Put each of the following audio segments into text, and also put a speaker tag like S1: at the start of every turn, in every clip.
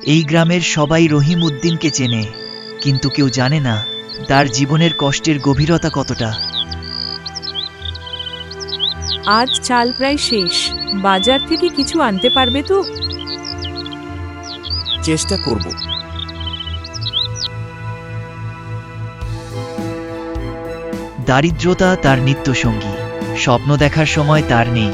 S1: এই গ্রামের সবাই রহিম উদ্দিনকে চেনে, কিন্তু কেউ জানে না তার জীবনের কষ্টের গভীরতা কতটা।
S2: আজ চাল প্রায় শেষ। বাজার থেকে কিছু আনতে পারবে তো?
S3: চেষ্টা করব।
S1: দারিদ্রতা তার নিত্যসঙ্গী, স্বপ্ন দেখার সময় তার নেই।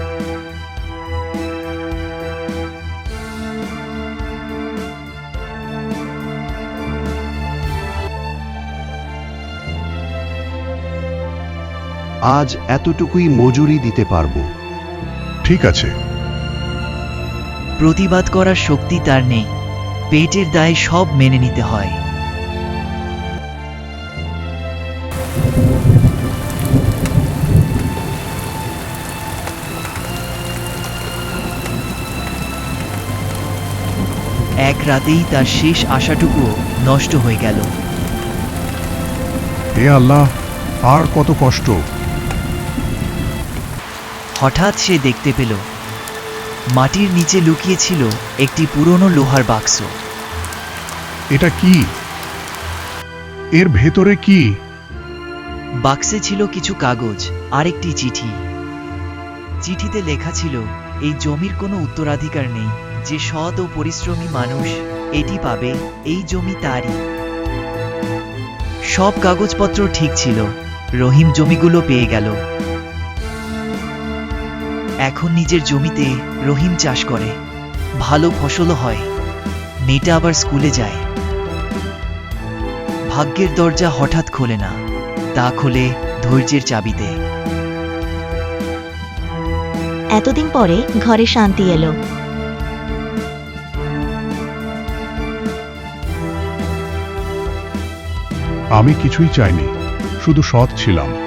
S4: আজ এতটুকুই মজুরি দিতে পারবো।
S5: ঠিক আছে।
S1: প্রতিবাদ করার শক্তি তার নেই, পেটের দায়ে সব মেনে নিতে হয়। এক রাতেই তার শেষ আশাটুকুও নষ্ট হয়ে গেল।
S5: হে আল্লাহ, আর কত কষ্ট!
S1: হঠাৎ সে দেখতে পেল মাটির নিচে লুকিয়ে ছিল একটি পুরনো লোহার বাক্স।
S5: এটা কি? এর ভেতরে কি?
S1: বাক্সে ছিল কিছু কাগজ আর একটি চিঠি। চিঠিতে লেখা ছিল, এই জমির কোনো উত্তরাধিকার নেই, যে সৎ ও পরিশ্রমী মানুষ এটি পাবে, এই জমি তারই। সব কাগজপত্র ঠিক ছিল, রহিম জমিগুলো পেয়ে গেল। এখন নিজের জমিতে রহিম চাষ করে, ভালো ফসলও হয়। মেয়েটা আবার স্কুলে যায়। ভাগ্যের দরজা হঠাৎ খোলে না, তা খোলে ধৈর্যের চাবিতে।
S6: এতদিন পরে ঘরে শান্তি এলো।
S5: আমি কিছুই চাইনি, শুধু সৎ ছিলাম।